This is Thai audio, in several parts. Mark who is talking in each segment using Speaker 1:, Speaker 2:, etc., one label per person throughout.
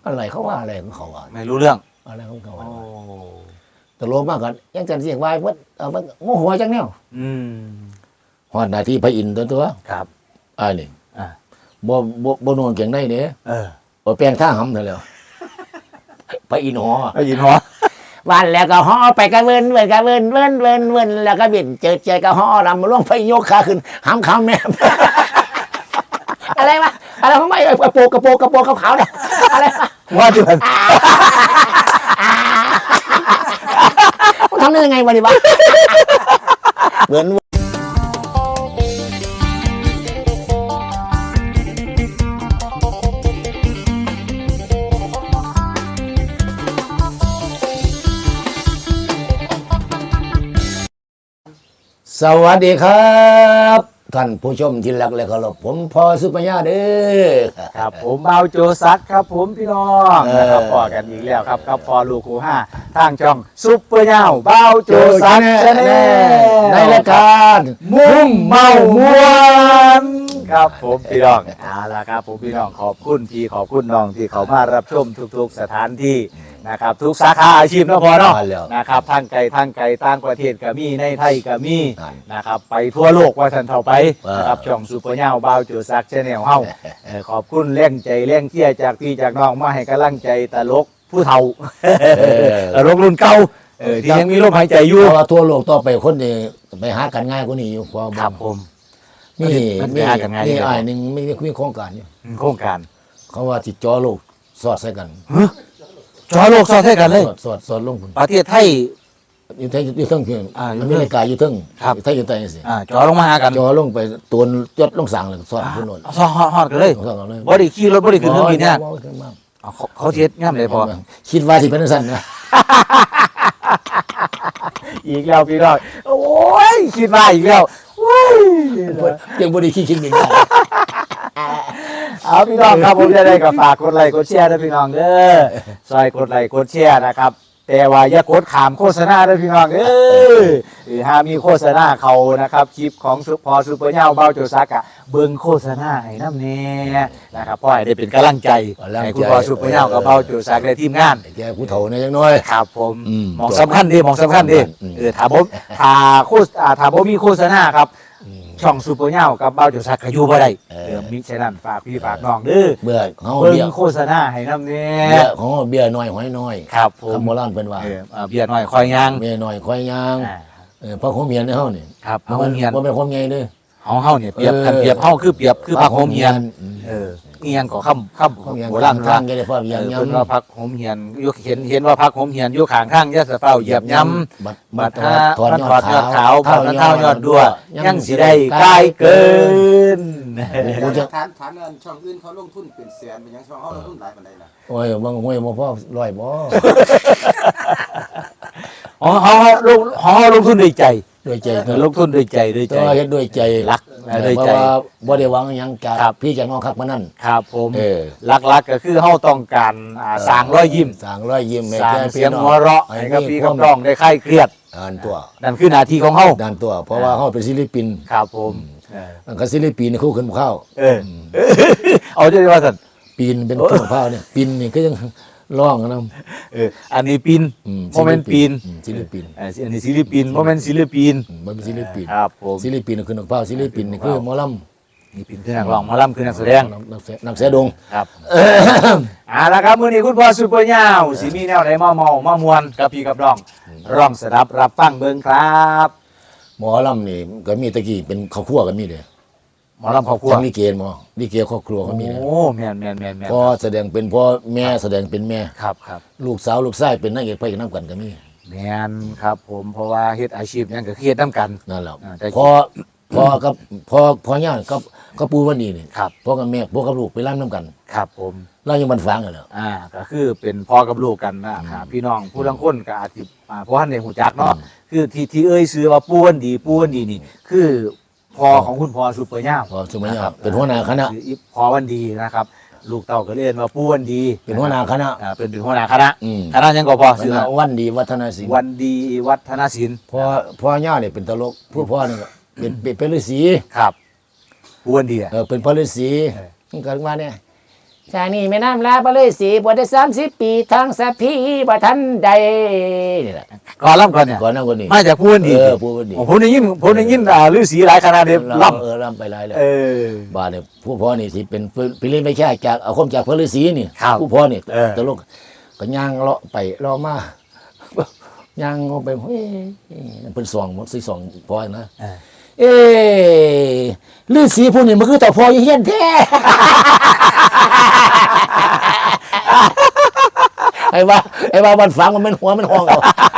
Speaker 1: อะไรเขาว่าอะไรของเขาอ่ะ
Speaker 2: ไม่รู้เรื่อง
Speaker 1: อะไรของเขา
Speaker 2: โอ้
Speaker 1: ตลกมากกันยังกันเสียงวายวัดมันโง่หัวจังแนว
Speaker 2: อืม
Speaker 1: ฮอดหน้าที่พระอินทร์ตัว
Speaker 2: ครับ
Speaker 1: อ้ายนี่
Speaker 2: อ่า
Speaker 1: บ่นวลเก่งได้เด้ บ่แปลงท่าหำเถอะแล้วพระอินทร์หอ
Speaker 2: ได้ยินหัว
Speaker 1: วันแล้วก็ห่อไปกระเวินเวินกระเวินเวินเวินเวินแล้วก็บินเจอก็ห่อลำล่วงไปยกขาขึ้นหำคำแม่ อะไรวะอะไรของไม่กระโปรงขาวๆเนี่ยอะไรวะ
Speaker 2: ว่าเดือน
Speaker 1: มันทำได้ยังไงวะนี่วะเหมือนสวัสดีครับท่านผู้ชมที่รักและเคารพผมพอสุปัญญาเด้อ
Speaker 2: ครับผมเบาโจซักครับผมพี่น้องนะครับพอกันอีกแล้วครับกับพอลูกคูห้าทางช่องซุปเปอร์เน่าเบาโจซักชาแนล
Speaker 1: ในรายการ
Speaker 2: มุ่งเมามวนครับผมพี่น้องเอาละครับผมพี่น้องขอบคุณพี่ขอบคุณน้องที่เขามารับชมทุกๆสถานที่นะครับทุกสาขาอาชีพเนาะพอเนาะนะครับทางไกลต่างประเทศก็มีในไทยก็มีนะครับไปทั่วโลกว่าสันเท่าไปนะครับช่องซุปเปอร์เน่าเบาโจซักชาแนลเฮาขอบคุณแรงใจแรงเที่ยจากพี่จากน้องมาให้กำลังใจตลกผู้เฒ่าตลกรุ่นเก่าที่ยังมีลมหายใจอยู่
Speaker 1: เพราะว่าทั่วโลกต่อไปคนนี่ไปหากันง่ายกว่านี้อยู่ความ
Speaker 2: ครับผม
Speaker 1: นี่
Speaker 2: ไปหากันง่าย
Speaker 1: นี่อ้ายหนึงไม่ได้คุยโครงการอยู่
Speaker 2: โครงการ
Speaker 1: เขาว่าสิจอโลกสอดใส่กัน
Speaker 2: จอโลกซอดให้กันเลย
Speaker 1: สอดลงพุ่น
Speaker 2: ประเทศไทย
Speaker 1: อยู่ไทยอยู่เทั้งเพียง
Speaker 2: อยู่
Speaker 1: อ
Speaker 2: เทิง
Speaker 1: เมริกาอยู่เทั้ง
Speaker 2: ครับ
Speaker 1: อยู่ไทยอยู่ใต้สิ
Speaker 2: จอลงมาหากัน
Speaker 1: จอลงไปตัวยศลงสั่งเลยสอดพุ่นโน่น
Speaker 2: ซอฮอดกันเลย
Speaker 1: สอดกันเลย
Speaker 2: บ่ได้ขี่รถบ่ได้ขึ้นเครื่องบินเนี่ย
Speaker 1: บ่ขึ้นมา
Speaker 2: เขาเทียดง่ามเลยพอ
Speaker 1: คิดว่าที่เป็นสั้นนะ
Speaker 2: อีกแล้วพี่น้องโอ้ยคิดมาอีกแล้วโอ้ย
Speaker 1: ยังบ่ได้คิดบินได้
Speaker 2: เอาพี่น้องครับผมจะได้ก็ฝากกดไลค์กดแชร์ด้วยพี่น้องเด้อซอยกดไลค์กดแชร์นะครับแต่ว่าอย่ากดขามโฆษณาด้วยพี่น้องถ้ามีโฆษณาเขานะครับคลิปของพอซูเปอร์เน่าเบาโจซักอะเบิ่งโฆษณาให้น้ำเน่นะครับเพราะให้ได้เป็นกำลังใจให้คุณพอซูเปอร์เน่ากับเบาโจซักได้ทีมงาน
Speaker 1: แกผู้เฒ่าเนี่ยยังน้อย
Speaker 2: ครับผม
Speaker 1: อืม
Speaker 2: หมองสำคัญดีหมองสำคัญดีถ้าผมถ้าผมมีโฆษณาครับช่องซูเปอร์เน่ากับเบาโจซักก็อยู่บ่ได้มิฉะนั้นฝากพี่ฝากน้องเด้อ
Speaker 1: เบื่อเขา
Speaker 2: เบิ่
Speaker 1: เบี้ย
Speaker 2: งโฆษณาให้น้ำเน่
Speaker 1: เบี้ยของเบี้ยน้อยหอยน้อย
Speaker 2: ครับผม
Speaker 1: คำโบราณเพิ่นว่า
Speaker 2: เบียร์หน่อยคอยยาง
Speaker 1: เบี้ยน้อยคอยยางพระโคมเมียนในเฮานี่
Speaker 2: ครับพระโฮมเฮียน
Speaker 1: บ่เป็นคนใหญ่เด้อ
Speaker 2: เฮาเนี่ยเปรียบกันเปรียบเฮาคือเปรียบคือพระโฮมเฮียนเฮียนก็ค่ำ
Speaker 1: เขาเมียน
Speaker 2: โบราณ
Speaker 1: ทางแกได้พ่อเมียน
Speaker 2: เพิ่นว่าพักโฮมเฮียนอยู่เห็นว่าพักโฮมเฮียนอยู่ข้างทางอย่าสะเฝ้าเหยียบย้ำบัดถ้ามันถอดยอดขาวผ่านเท้ายอดดัวยังสิได้กายเกิน
Speaker 3: ฐานอันช่องอื่นเขาลงทุนเป็นแสนเป็นหยังช่องเขาลงทุนหลายปานใดล่ะ
Speaker 1: โอ้ยบางห้วยบ่พอร้อยบ่
Speaker 2: เฮาลงทุนด้วยใจ
Speaker 1: ด้วยใจ
Speaker 2: ลงทุนด้วยใจด้วย
Speaker 1: แต่
Speaker 2: ใจ
Speaker 1: ว่าเฮ็ดด้วยใจ
Speaker 2: รัก
Speaker 1: เพราะว่าบ่ได้หวังหยังจาก
Speaker 2: ครับ
Speaker 1: พี่จากน้องคักมานั่น
Speaker 2: ครับผม
Speaker 1: เออ
Speaker 2: หลักๆก็คือเฮาต้องการสร้างรอยยิ้ม
Speaker 1: สร้างรอยยิ้มให้
Speaker 2: สร้าง
Speaker 1: แก่
Speaker 2: เสียงหัวเราะให้กับพี่กับน้องได้คลายเครียด
Speaker 1: อ่านตัว
Speaker 2: นั่นคือหน้าที่ของเฮา
Speaker 1: ด้านตัว เพราะว่าเฮาเป็นศิลปิน
Speaker 2: ครับผมเออ
Speaker 1: อันก็ศิลปินนี่คู่ขึ้นข้าว
Speaker 2: เอาจะว่าสั่น
Speaker 1: ปีนเป็นต้นข้าวเนี่ยปีนนี่ก็ยังร้องนำ
Speaker 2: อันนี้ปีนโมเมนต์ปีน
Speaker 1: ศิลปิน
Speaker 2: อันนี้ศิลปินโมเมนต์ศิลปิน
Speaker 1: มันเป็นศิลปิน
Speaker 2: ครับผม
Speaker 1: ศิลปินคือนักพากย์ศิลปินนี่คือหมอลำ
Speaker 2: นี่ปีนคือนักร้องหมอลำคือนักแสดง
Speaker 1: นักแสดง
Speaker 2: ครับเอาละครับมื้อนี้คุณพ่อซุปเปอร์ยาวสิมีแนวไหนมามวนกับพี่กับน้องร้องสดับรับฟังเบิ่งครับ
Speaker 1: หมอลำนี่ก็มีตะกี้เป็นครอบครัวก็มีเลย
Speaker 2: หมอลำครอบครัว
Speaker 1: ทั้งลิเกหมอลิเกครอบครัวก็มีเลย
Speaker 2: โอ้แม่น
Speaker 1: พ่อแสดงเป็นพ่อแม่แสดงเป็นแม่
Speaker 2: ครับ
Speaker 1: ลูกสาวลูกชายเป็นนางเอกพระเอกน้ำกันก็มี
Speaker 2: แม่นครับผมเพราะว่าเฮ็ดอาชีพหยังก็คือเฮ็ดนํกัน
Speaker 1: นั่นแหละ
Speaker 2: แต่
Speaker 1: พ่อกับพ่อย่ากับปู่วันนี้นี่
Speaker 2: ครับ
Speaker 1: พ่อกับแม่พ่อกับลูกไปร่ำน้ำกัน
Speaker 2: ครับผม
Speaker 1: เรายังมันฟังกันแล้ว
Speaker 2: ก็คือเป็นพ่อกับลูกกันนะครับพี่น้องผู้ลังคนก็อาจสิเพราะท่านได้หูจักเนาะคือที่เอ้ยซื้อว่าป้วนดีนี่คือพ่อของคุณพ่อซุปเปอร์ย่า
Speaker 1: พอสมัยนี้เป็นหัวหน้าคณะ
Speaker 2: คือพ่อวันดีนะครับ ลูกเต่าก็เรียนว่าป้วนดี
Speaker 1: เป็นหัวหน้าคณะ
Speaker 2: เป็นหัวหน้าคณะ
Speaker 1: อืม
Speaker 2: คณะยังก็พอซื้อ
Speaker 1: วันดีวัฒนศิลป์
Speaker 2: วันดีวัฒนศิลป์
Speaker 1: พ่อย่าเนี่ยเป็นตลกผู้พ่อนี่ก็เป็นฤาษี
Speaker 2: ครับป้วนดี
Speaker 1: เป็นพระฤาษี
Speaker 2: เออ
Speaker 1: มันเกิดมาเนี่ยชานี่แม่น้ำลาบเลยสีบวชได้30 ปีทางสัพพีบ่ทันใดนี่แหละ
Speaker 2: ก่อนล่ำก่อนเนี่ย
Speaker 1: ก่อนนั้นคนนี้
Speaker 2: มาจากพูนดี
Speaker 1: พูดดี
Speaker 2: ผมได้ยินฤาษีหลายขนาดเดียวล่ำ
Speaker 1: ล่ำไปหลายแล้ว
Speaker 2: เออ
Speaker 1: บาดเนี่ยผู้พ่อนี่สิเป็นพิริไม่ใช่จากเอาคมจากพระฤาษีนี่
Speaker 2: ครับ
Speaker 1: ผู้พ่อนี่
Speaker 2: เออ
Speaker 1: ตลกก็ย่างเลาะไปเลาะมาย่างเอาไปเฮ้ยเป็นสองมันสิสองพ่อนะ เอ้ฤาษีผู้นี้มันคือต่อพ่อเฮียนแท้ ไอ้ว่ามันฝังมันเป็นหัวมันห้องเอา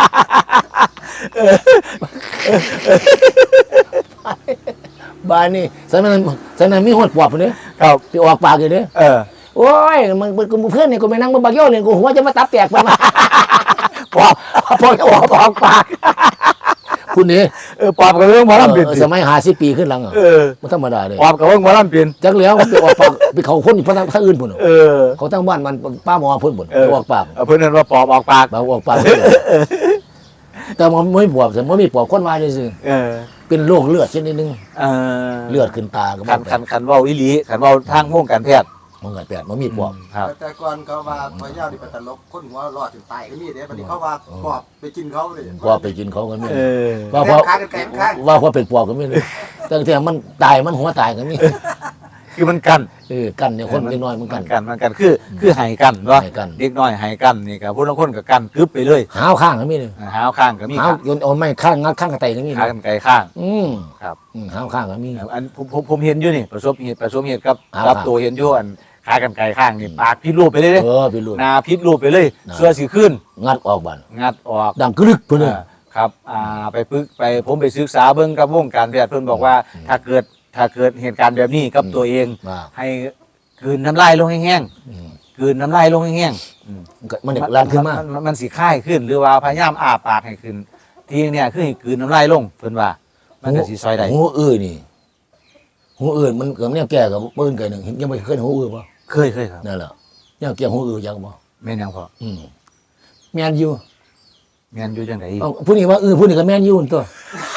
Speaker 1: บ้านนี่สนั้นมีหดปอบเนี่ย
Speaker 2: ครับ
Speaker 1: ที่ออกปากอยู่เนี่ย โอ้ยมึงเพื่อนนี่กูไปนั่งบนบักโย่เลยกูหัวจะมาตับแตกไปมาปอบจะออกปากคุณนี่
Speaker 2: ปอบกับเรื่องหมอลำเปลี่ยน
Speaker 1: สมัย50 ปีขึ้นหลังอ่ะมันธรรมดาเลย
Speaker 2: ปอบกับเรื่องหมอลำเปลี่ยน
Speaker 1: จักแล้วมันไปออกปากไปเขาคนอีกพนักอื่นพุ่น เขาตั้งบ้านมันป้าหมอพุ่นพุ่นออกปาก
Speaker 2: เพื่อนนั่นว่าปอบออกปาก
Speaker 1: ออกปากแต่มันไม่ปวดแต่มันมีปวดคนมาจริงเป็นโรคเลือดชนิดนึงเลือดขึ้นตาก็
Speaker 2: ขันเว่าอิลีขันเว่าทางวงการแพทย์
Speaker 1: มันเกิดแปดมันมีปวด
Speaker 2: ครับ
Speaker 3: แต่ก่อนเขาว่าพญานี่เป็นตลกคนหัวรอดถึงตายก็มีเด้บัดนี้เขาว่าปอบไปกินเขาเลย
Speaker 1: ปวดไปกินเขาก็มี
Speaker 3: ว่าเพราะ
Speaker 1: ว่าเป็นปวดก็มีเลยตั้งแต่มันตายมันหัวตายก็มี
Speaker 2: คือมันกัน
Speaker 1: กันเนี่ยคนเล็กน้อยมันกัน
Speaker 2: มันกันคือหายกันเนาะ
Speaker 1: ให้กัน
Speaker 2: เด็กน้อยหายกันนี่ครับพวกเราคนกับกันกึบไปเลย
Speaker 1: หาวข้างก็มีเลย
Speaker 2: หาวข้างก็มี
Speaker 1: หาวโยนเอาไม่ข้างงัดข้างกระไตก็มี
Speaker 2: ขากันไกลข้าง ครับ
Speaker 1: หาวข้างก็มี
Speaker 2: อันผมเห็นอยู่นี่ประสบเหตุกับ
Speaker 1: หาว
Speaker 2: กับ
Speaker 1: ข้าง
Speaker 2: ตัวเห็นอยู่อันขากันไกลข้างนี่ปากพิษรูปไปเลยเด้
Speaker 1: พี่ลูก
Speaker 2: หนาพิษรูปไปเลย
Speaker 1: น่ะ
Speaker 2: เสื้อสีขึ้น
Speaker 1: งัดออกบ้าน
Speaker 2: งัดออก
Speaker 1: ดังกรึกเพื่อน
Speaker 2: ครับไปผมไปศึกษาเบิ่งกับวงการแพทย์เพิ่นบอกว่าถ้าเกิดเหตุการณ์แบบนี้กับตัวเอง
Speaker 1: ว่า
Speaker 2: ให้กลืนน้ำลายลงแห้งๆกลืนน้ำลายลงแห้งๆ
Speaker 1: มันเด็กลานขึ้นมา
Speaker 2: มันสิค่ายขึ้นหรือว่าพยายามอ้าปากให้ขึ้นทีเนี่ยคือให้กลืนน้ำลายลงเพิ่นว่า มันก็สิซอยได้
Speaker 1: หูนี่หูอื่นมันเกิดเนี่ยแก่กับปืนไก่หนึ่งยังไม่เคยหูอื่นป่ะ
Speaker 2: เคยครับ
Speaker 1: นั่นแหละเนี่ยแก่หูอื่นยังป่ะ
Speaker 2: แม่นยังพอ
Speaker 1: แมนยู
Speaker 2: แม่นอยู่จังได๋
Speaker 1: ผู้นี้ว่าผู้นี้ก็แมนยูตัว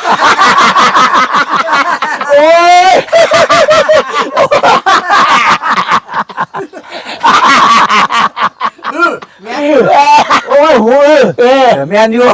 Speaker 1: โอ้ยโอ้ยหู
Speaker 2: แม่นอยู่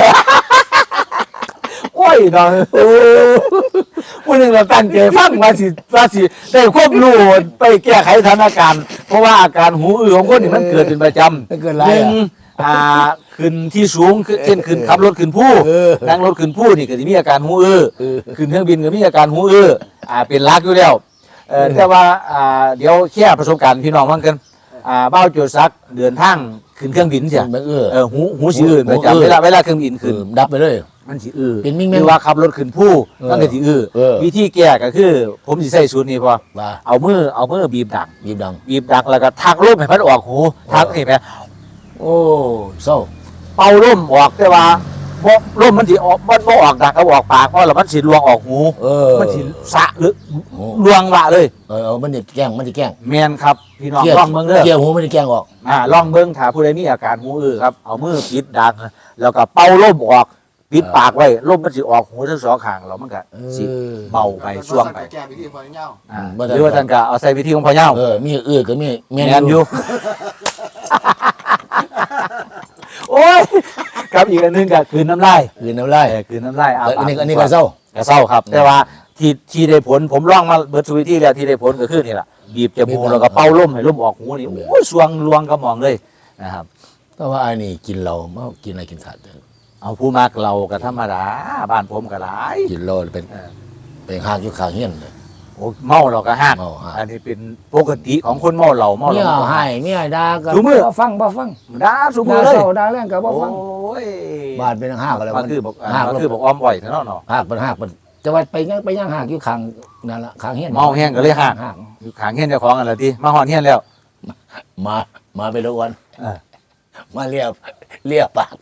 Speaker 2: โอ้ยดอกผู้หนึงเราตั้งใจฟังว่าสิได้ควบรู้ไปแก้ไขสถานการณ์เพราะว่าอาการหูอื้อของคนนี่มันเกิดเป็นประจำ
Speaker 1: เกิดไร
Speaker 2: หนึ่งขึ้นที่สูงเช่นขึ้นขับรถขึ้นผู้นั่งรถขึ้นผู้นี่ก็จะมีอาการหูอื้อขึ้นเครื่องบินก็มีอาการหูอื้อเป็นหลักอยู่แล้วแต่ว่าเดี๋ยวแค่ประสบการณ์พี่น้องฟังกันเบ้าโจซักเดินทางขึ้นเครื่องบินเสียหูสิอื้อประจำเวลาเครื่องบินขึ้น
Speaker 1: ดับไปเลย
Speaker 2: มันสิอื้อ
Speaker 1: เป็นมิ่ง
Speaker 2: หรือว่าขับรถขึ้นผู้มันก็สิอื้อ วิธีแก้ก็คือ ผมสิใส่สูตรนี้พอ
Speaker 1: ว่า
Speaker 2: เอามือบีบดัง
Speaker 1: บีบดัง
Speaker 2: แล้วก็ทักลมให้มันออกหูทักนี่แหม
Speaker 1: โอ้เศร้า
Speaker 2: เป่าลมออกแต่ว่าลมมันสิออกมันบ่ออกดักเอาออกปากเพราะแล้วมันสิลวงออกหูมันสิสะหรือลวงวะเลย
Speaker 1: มันจะแกล้ง
Speaker 2: แม่นครับพี่น้องลองเบิ่งเด้อ
Speaker 1: เกี่ยวหูมันจะแกล้งออก
Speaker 2: ลองเบิ่งถ้าผู้ใดมีอาการหูอื้อครับเอามือปิดดังแล้วก็เป่าลมออกปิดปากไว้ลมมันสิออกหูทั้งสองข้างแล้วมันก็สิเบาไปช่วงไป
Speaker 3: แก้วิธีพอเงา
Speaker 2: หรือว่าท่านก็เอาใส่วิธีของพ่อเย้า
Speaker 1: มีก็มีแม
Speaker 2: แม่นอยู่ โอ้ยครับอีกอันหนึงก็คืนน้ำลาย
Speaker 1: คืนน้ำลาย
Speaker 2: คืนน้ำลาย
Speaker 1: อันนี้ก็เศร้า
Speaker 2: ครับ แต่ว่าที่ได้ผลผมลองมาเบิดสุวิธีแล้วที่ได้ผลก็คือนี่แหละบีบจมูกแล้วก็เป่าลมให้ลมออกหูนี่โอ้ยสวงลวงกระหม่อมเลยนะครับ
Speaker 1: แต่ว่าอันนี้กินเราไม่กินอะไรกินสัตว์
Speaker 2: เอาผู้มากเราก็ธรรมดาบ้านผมก็หลาย
Speaker 1: กินเราเป็นห้างยุคข้างเฮี้ยนเลย
Speaker 2: โอ้เมาเราก็ห้าง
Speaker 1: เมาห้าง
Speaker 2: อันนี้เป็นปกติของคนเมาเหล้าเมา
Speaker 1: เมีย
Speaker 2: เหล้า
Speaker 1: ให้เมียด่าก็
Speaker 2: ทุกมื้อ
Speaker 1: บ่ฟัง
Speaker 2: ด่าสุมื
Speaker 1: ด่า
Speaker 2: อเลย
Speaker 1: เศร้าด่าแรงก็บ่ฟัง
Speaker 2: โอ้ย
Speaker 1: บ้านเป็นห้างอะไร
Speaker 2: มันคือบอก
Speaker 1: ห้าง
Speaker 2: มันคือบอกอ้อมบ่อยเนาะเนาะ
Speaker 1: ห้างเป็นจะว่าไปยังห้างอยู่ข้างนั่นละข้างเฮี้ยน
Speaker 2: เมาแห้งก็เลยห้าง
Speaker 1: ห้าง
Speaker 2: อยู่ขางเฮียนเจ้าของกันละทีมาหอนเฮียนแล้ว
Speaker 1: มาไปละวัน
Speaker 2: เออ
Speaker 1: มาเลียปาก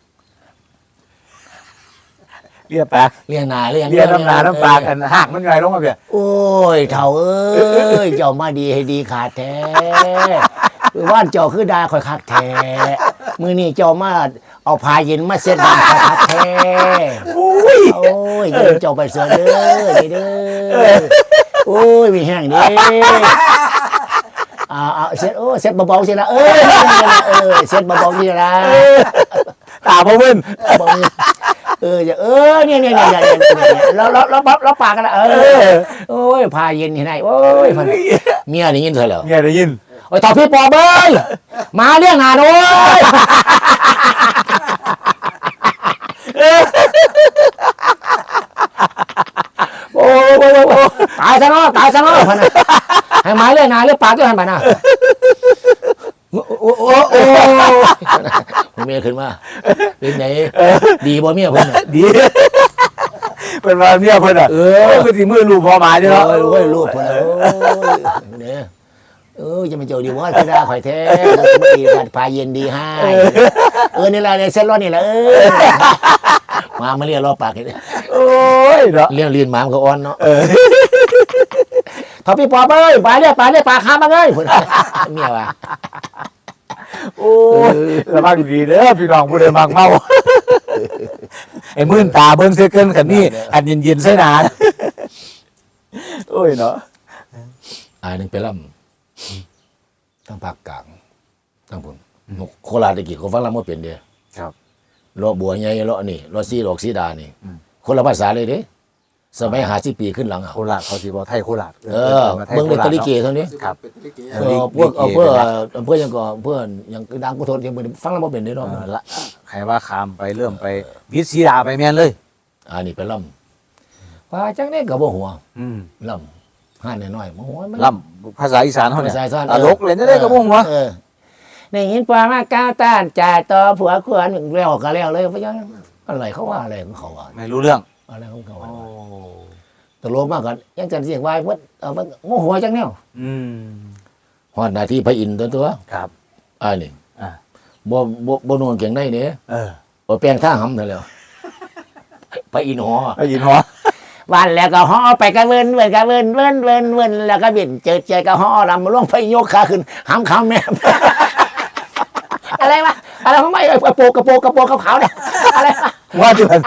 Speaker 2: เรียบปาก
Speaker 1: เลียหน้าเลีย
Speaker 2: เรียน้ำหนาน้ำปากกันหักมันไงลงมาเปีย
Speaker 1: โอ้ยเฒ่าเอ้ยเจ้ามาดีให้ดีขาดแท้ว่านเจ้าคือดาคอยคักแท้มื้อนี้เจ้ามาเอาผ้าเย็นมาเช็ดน้ำคอยคักแท้โอ้ยเดินเจ้าไปเสือเด้อโอ้ยมีแห้งเด้เซ็ตเซ็ตเบาๆสิละเซ็ตเบาๆสิละ
Speaker 2: ตาพ่อเว้น
Speaker 1: เนี่ยเราปากกันละโอ้ยพาเย็นที่ไหนโอ้ยเมียได้ยินเธอเหรอ
Speaker 2: เมียได้ยิน
Speaker 1: โอ้ยต่อพี่ปอเบ้ยมาเรื่องงานโอ้ยโอ้ตายซะเนาะพันนะให้มาเรื่องงานเรื่องปากด้วยพันนะโอ้เมียขึ้นมาเป็นไงดีบ่เมียเพิ่น
Speaker 2: ดีเป็นว่าเมียเพิ่นอ่ะคือสิมือลูกพอมาเนาะ
Speaker 1: โอ้ยลูกเพิ่นเนี่ยจะมาเจอดีว่าจะได้ข่อยแท้บ่ดีกันพาเย็นดีให้นี่ล่ะเนี่ยเส้นร้อนนี่แหละมาเรียกรอปากนี่
Speaker 2: โอ้ยเนาะ
Speaker 1: เรียกเรียนหมามันก็อ่อนเนาะถ้าพี่ปอเอ้ยไปเรียกปากค้ามาเอ้ยเพิ่นเมียว่า
Speaker 2: โอ้ยระวังดีเด้อพี่น้องผู้ใดมักเมาไอ้มื่นตาเบิ่งเสื้อเกินคันนี้อันเย็นๆใส่หนาโอ้ยเนาะ
Speaker 1: นึงไปล่ำทั้งภาคกลางทั้งพุ่นโคราชตะกี้เขาฟังล่ำบ่เป็นเด้ครับเลาะบัวใหญ่เลาะนี่เลาะสีหลอกสีดานี่คนละภาษาเลยเด้สมัย50 ปีขึ้นหลังอ่ะ
Speaker 2: โคราชเขาสิบ่ไทยโคราช
Speaker 1: เมืองในตะลิเกเท่านี้
Speaker 2: ครับ
Speaker 1: พวกเพื่อยังก็เพื่อนยังดังกุศลยังฟังแล้วบ่เป็นเด้เนาะ
Speaker 2: ละใครว่าข้ามไปเริ่มไปวิทย์ศรีดาไปแม่นเลย
Speaker 1: นี่ไปล่ำว่าจังได๋ก็บ่หัว ล่ำห้าน้อยๆบ่หัวมัน
Speaker 2: ล่ำภาษาอีสานเฮาเนี่ย
Speaker 1: ภาษาอีสาน
Speaker 2: ตลกเล่นได้ก็บ่ฮู้ว่า
Speaker 1: ได้ยินปลามาก้าวต้านจ่ายต่อผัวควรแล้วก็แล้วเลยบ่ยังอะไรเขาว่าอะไรของเขาว่า
Speaker 2: ไม่รู้เรื่อง
Speaker 1: อะไรของเขาตลกมากกันยังจันเสียงวายเพิ่นมันโมโหจังแนวฮอดหน้าที่พระอินทร์ตัว
Speaker 2: ครับ
Speaker 1: นี่บ่นวลเก่งได้เด้แปลงท่าหำนั่นแหล้วพระอินทร์หอ
Speaker 2: ได้ยินฮอ
Speaker 1: วันแล้วก็ห่อไปกระเวินแล้วก็บินเจอใจก็ห่อรำล่วงไปยกขาขึ้นหำขาแม่อะไรวะอะไรของไม่กระโปรงขาวๆเนี่ยอะไรวะ
Speaker 2: ว่าจุน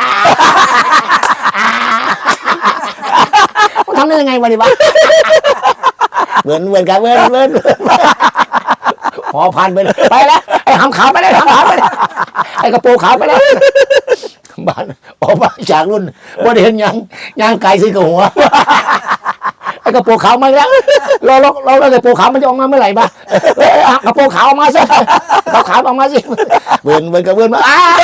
Speaker 1: ทำได้ยังไงวะดิวะเวินกันเวินห่อพันไปเลยไปแล้วไอ้หำขาวไปเลยไอ้กระโปรงขาวไปแล้วบ้านออกมาจากรุ่นว่าเห็นยังไก่สิกับหัวไอ้กระโปรงขาวมาแล้วเรากระโปรงขาวมันจะออกมาเมื่อไหร่บ้ากระโปรงขาวออกมาสิขาวออกมาสิเวินกับเวินมา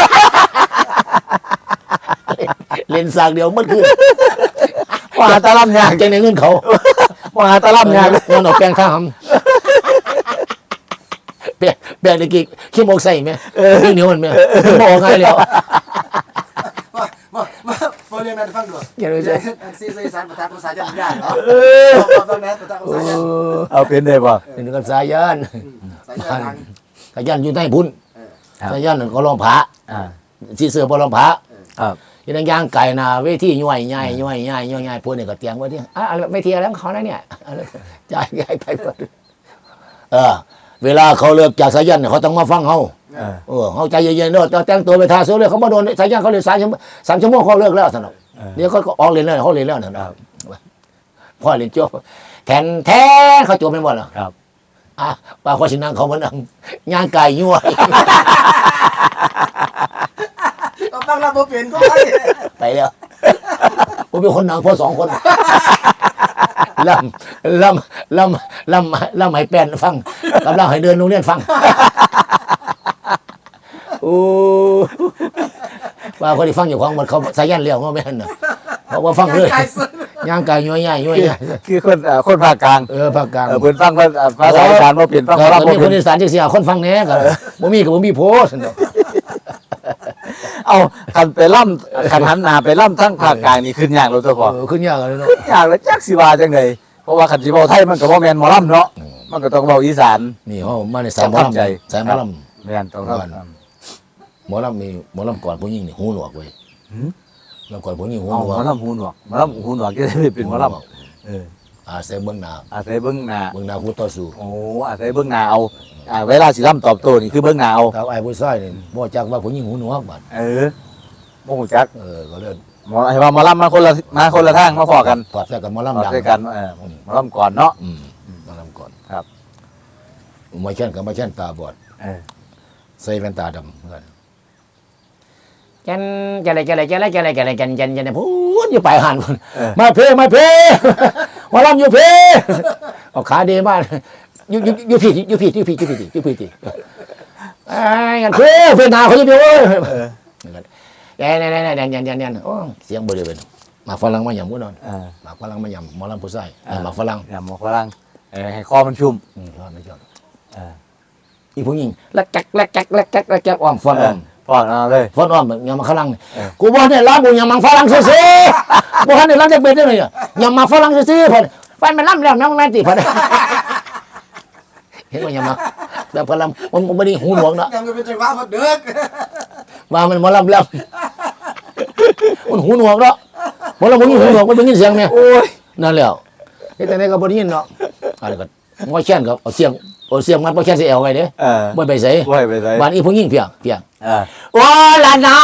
Speaker 1: เล่นสากเดียวมันคือว่าตะล่ำยากจังในเงินเขาว่าตะล่ำยากเงินออกแปลงข้าวแปลงในกี่ขี้โมกใส่ไหมเหนียวมันไหมบอกไงแล้ว
Speaker 3: มาเรียนนั้นฟังดู
Speaker 1: อย่าเลยจ้ะ
Speaker 3: ซีสารภาษาจันทร์ยากเนาะตรงนั้นภาษาจันทร์
Speaker 2: เอาเป็นได้ป่ะ
Speaker 1: เป็นกับสายยันสายยันอยู่ใต้พุ่นสายยันก็ลองผาที่เสือพอลองผายังย่างไก่นาเวทีย่อยใหญ่พวกนี้ก็เตรียมไว้ที่ไม่เทียแล้วเขานะเนี่ยจ่ายใหญ่ไปหมดเวลาเขาเลิกจากสายยันเขาต้องมาฟังเขาเขาใจเย็นๆเนอะแต่งตัวไปทาสู้เลยเขามาโดนสายยันเขาเลย3 ชั่วโมงเขาเลิกแล้วสนุกเดี๋ยวเขาออกเรียนแล้วเขาเรียนแล้วนะพ่อเรียนจบแทนเขาจบไม่หมดหรอ
Speaker 2: ครับ
Speaker 1: ป้าข้อชินังเขามันย่างไก่ยั่ว
Speaker 3: ต้องรับบ่เป็นก็
Speaker 1: ไปแล้วผมเป็นคนหนังพอ2 คนลำให้แป้นฟังกำลังให้เดินโรงเรียนฟังว่าคนที่ฟังอยู่ของมันเขาสายันเลี้ยวเขาไม่เห็นนะเพราะว่าฟังเลยย่างไก่ย่อย
Speaker 2: คือคนภาคกลาง
Speaker 1: ภาคกลาง
Speaker 2: เพิ่นฟังภาษาอีสานบ่เป็นฟังบ่
Speaker 1: เป็นคนอีสานจังซี่คนฟังแหน่ก็บ่มีโพสต์
Speaker 2: เอาคันไปล่ำคันหันหน้าไปล่ำทั้งภาคกลางนี่ขึ้นยากเลยตัวพ่อ
Speaker 1: ขึ้นยากเลยเนาะ
Speaker 2: ยากเลยจักสิว่าจังได๋เพราะว่าคันสิเว้าไทยมันก็บ่แม่นหมอลำเนาะมันก็ต้องเว้าอีสาน
Speaker 1: นี่เฮามาในสายหมอลำ
Speaker 2: แม่นต้อง
Speaker 1: หมอลำมีหมอลำก่อนผู้หญิงนี่หูหนวกเว้ยแล้วก่อนผู้หญิงหูหนวก
Speaker 2: หมอลำหูหนวกก็ได้เป็นหมอลำ
Speaker 1: อาศัยเบื้องหน้าคู่ต่อสู้
Speaker 2: โอ้อาศัยเบื้องหน้าเอาเวลาสิล่ำตอบโต้นี่คือเบื้องหน้าเอา
Speaker 1: ครับไอ้ผู้ชายนี่บ่จักว่าผู้หญิงหูหนวกบัด
Speaker 2: บ่ฮู้จัก
Speaker 1: ก็เลย
Speaker 2: หมอให้ว่าหมอลำมาคนละทางมาพอกัน
Speaker 1: พอดใส่กันหมอลำดัง
Speaker 2: หมอลำก่อนเนาะ
Speaker 1: หมอลำก่อน
Speaker 2: ครับ
Speaker 1: ไม่เช่นกับไม่เช่นตาบอด
Speaker 2: เออ
Speaker 1: ใส่แว่นตาดำเหมือนกันจันพูดอยู่ปลายหันพุ่น
Speaker 2: เออ
Speaker 1: มาเพมาลำอยู่เพเอาขาเดมากอยู่ผิดไอ้กันเพนาเขาจะเดียวเว้ยยันโอ้เสียงบริเวณมาฝรั่งมาหยำมุ้นอน
Speaker 2: เออ
Speaker 1: มาฝรั่งมาหยำหมอลำผู้ใส่มาฝรั่ง
Speaker 2: อย่าหมกฝรั่งให้คอมันชุ่ม
Speaker 1: ชอบไม่ชอบ
Speaker 2: เออ
Speaker 1: อีผู้หญิงลักจักอ้อมฟอนอ้อม
Speaker 2: พอดเอาเลย
Speaker 1: ฟอนอ้อมแบบยำมาฝรั่ง
Speaker 2: เออ
Speaker 1: กูบอกเนี่ยร้านกูยำมังฝรั่งซื้อบอกให้เนี่ยร้านจะเป็นได้ไงยำมังฝรั่งซื้อพอฟันมันล่ำแล้วน้องแม่ติพอเห็นว่ายำมังแบบฝรั่งมันไม่ได้หูหนวกนะ
Speaker 3: ยังจะเป็นจังหวะมาเด็ก
Speaker 1: ว่ามันมาล่ำแล้วมันหูหนวกเนาะพอเราไม่ยินหูหนวกมันเป็นยินเสียงเนี่ย
Speaker 2: โอ้ย
Speaker 1: นั่นแหละแต่ในก็บ่ได้ยินเนาะอะไรก็งอแช่นกับเอาเสียงมันบ่แค่สิเอวไว้เด้
Speaker 2: เออ
Speaker 1: บ่ไปใส่
Speaker 2: บ่ให้ไปใส่
Speaker 1: บ้านอีผู้หญิงเพียง
Speaker 2: เออ
Speaker 1: โอ้ละนา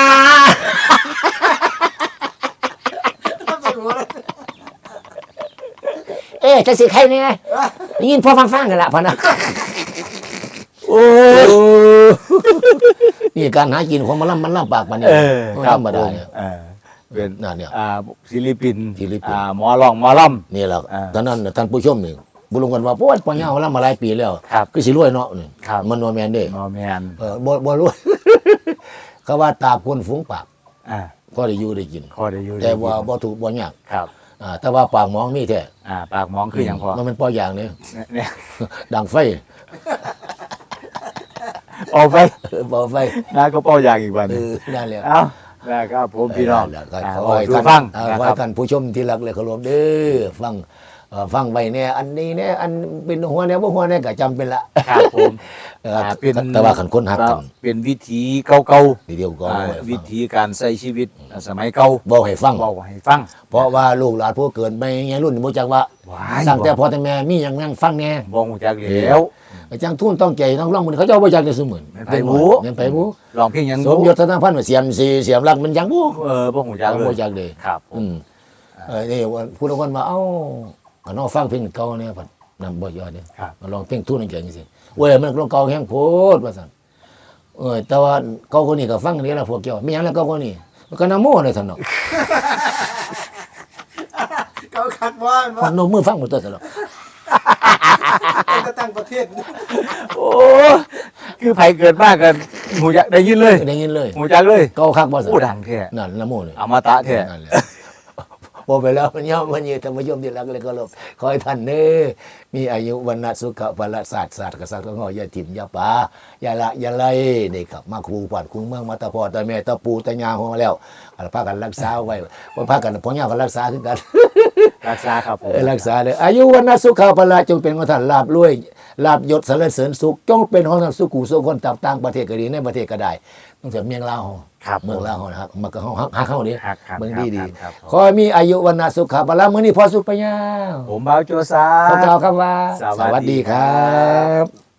Speaker 1: จะสิใครเนี่ยได้ยินพอฟังกันละพอนะโอ้นี่การหากินของมันลำปากมันนี่
Speaker 2: เออ
Speaker 1: ไม่
Speaker 2: ครับ
Speaker 1: ธรรมดาเนี่ย
Speaker 2: เออเป็น
Speaker 1: นั่นเนี่ย
Speaker 2: ศิลปิน
Speaker 1: ศิลปิน
Speaker 2: หมอร้องหมอลำ
Speaker 1: นี่แหละ
Speaker 2: อ่า
Speaker 1: ตอนนั้นท่านผู้ชมนี่บุรุษกันว่าโอ้ยปัญญาลำมาหลายปีแล้ว
Speaker 2: ครับ
Speaker 1: ก็สิรวยเนาะนี่
Speaker 2: ครับ
Speaker 1: มันโนแมนเด้
Speaker 2: หมอแมน
Speaker 1: บ่รวย เขาว่าตาคนฝูงปาก
Speaker 2: อ่า
Speaker 1: ก็ได้อยู่ได้กิน
Speaker 2: พอได้อยู่
Speaker 1: แต่ว่า
Speaker 2: ได้กิน
Speaker 1: บ่ถูกบ่ยาก
Speaker 2: ครับ
Speaker 1: แต่ว่าปากหมองมีแท้
Speaker 2: ปากหมองคืออย่างพอ
Speaker 1: มันเป็นปออย่างนี่
Speaker 2: เนี่ย
Speaker 1: ดังไฟ
Speaker 2: ออกไป
Speaker 1: ปอไฟ
Speaker 2: นะก็เป้าอย่างอีกวันห
Speaker 1: เอ
Speaker 2: นึ่ง
Speaker 1: อนั่นแหละ
Speaker 2: เอ้านะครับผมพี่น้อง
Speaker 1: แล้วก็
Speaker 2: อ่า
Speaker 1: ขอให้
Speaker 2: ดู
Speaker 1: ท่าน
Speaker 2: ฟัง
Speaker 1: ข
Speaker 2: นะ
Speaker 1: อ
Speaker 2: ครั
Speaker 1: ให้
Speaker 2: บ
Speaker 1: ท่านผู้ชมที่รักและเคารพเด้อฟังไว้เนี่ยอันนี้เนี่ยอันเป็นหัวเนี่ยบ่หัวเนี่ยก็จำเป็นละ
Speaker 2: ครับผม เป็น
Speaker 1: แต่ว่าขันคนหักกัน
Speaker 2: เป็นวิธีเก่า
Speaker 1: ทีเดียวก็
Speaker 2: ๆวิธีการใช้ชีวิตสมัยเก่า
Speaker 1: บอกให้ฟัง
Speaker 2: บอกให้ฟัง
Speaker 1: เพราะว่าลูกหลานผู้เกิดไปไงรุ่นบ่จักว่า
Speaker 2: ว้าย
Speaker 1: สั่งแต่พ่อแต่แม่มีหยังนั่งฟังแน่
Speaker 2: บอกหูจักแล้ว
Speaker 1: อาจารย์ทุ่นต้องใจต้องร้องมันเขาเจ้าบ่จักได้ซุมื้อ
Speaker 2: แม่นไผบู๊
Speaker 1: แม่นไผบู
Speaker 2: ลองเพียงหยัง
Speaker 1: สมยศธนพันธ์ว่าเสียมสีเสียมรักมันยังบู
Speaker 2: บอกหูจักเล
Speaker 1: บ่
Speaker 2: ย
Speaker 1: จักเด้
Speaker 2: ครับผม
Speaker 1: นี่ผู้ละคนว่าเอ้าก็น้องฟังเพลงเก่าเนี่ยพัดนำบ่ยอดเด้
Speaker 2: ครับ
Speaker 1: มาลองเพลงทุ่นจังซี่เว้ยมันร้องเก่าแฮงโพดว่าซั่นแต่ว่าเก่าคนนี้ก็ฟังนี่ล่ะพวกเจ้ามีหยังแล้วเก่าคนนี้มันก็นำโมเลยซั่นเนาะ
Speaker 3: เขาคัดว่า
Speaker 1: ฟังโนมือฟังหมดตัวซั่นเนาะ
Speaker 3: จะตั้งประเทศ
Speaker 2: โอ้คือไผเกิดมากกันหูจักได้ยินเลย
Speaker 1: ได้ยินเลย
Speaker 2: หูจักเลย
Speaker 1: เก่าคักบ่ซั่น
Speaker 2: ผู้ดังแท้
Speaker 1: นั่นนำโมเลย
Speaker 2: อมตะแท้
Speaker 1: นั่นแหละบอกไปแล้วมันย่อมมันยืนธรรมยมที่รักเลยก็ลบขอให้ท่านเน้อมีอายุวันนะสุขะพละศาสตร์กษัตริย์ก็งอย่าถิ่มอย่าป่าอย่าละอย่าไล่นี่ครับมาครูปัดครูเมืองมาตาพ่อตาแม่ตาปู่ตายาของมาแล้วพากันรักษาไว้พากันพ่อย่ากันรักษาคือกัน
Speaker 2: รักษาครับผม
Speaker 1: รักษาเลยอายุวันนะสุขะพละจงเป็นของท่านลาบรวยลาบยศสรรเสริญสุขจงเป็นของท่านสุขุสุขคนต่างประเทศก็ดีในประเทศก็ได้ต้องเสียเมียงลาว
Speaker 2: ครับ
Speaker 1: เมืองลาวนะครับมันก็ฮักเข้านี้
Speaker 2: ครับครับ
Speaker 1: เมืองดีดี
Speaker 2: ครับ
Speaker 1: ขอให้มีอายุวันนะสุขะพละมื้อนี้พอสุขปัญญา
Speaker 2: ผมบ่าวโจซา
Speaker 1: ขอกล่าวคำว่า
Speaker 2: สวัสดีครับ
Speaker 1: ครับ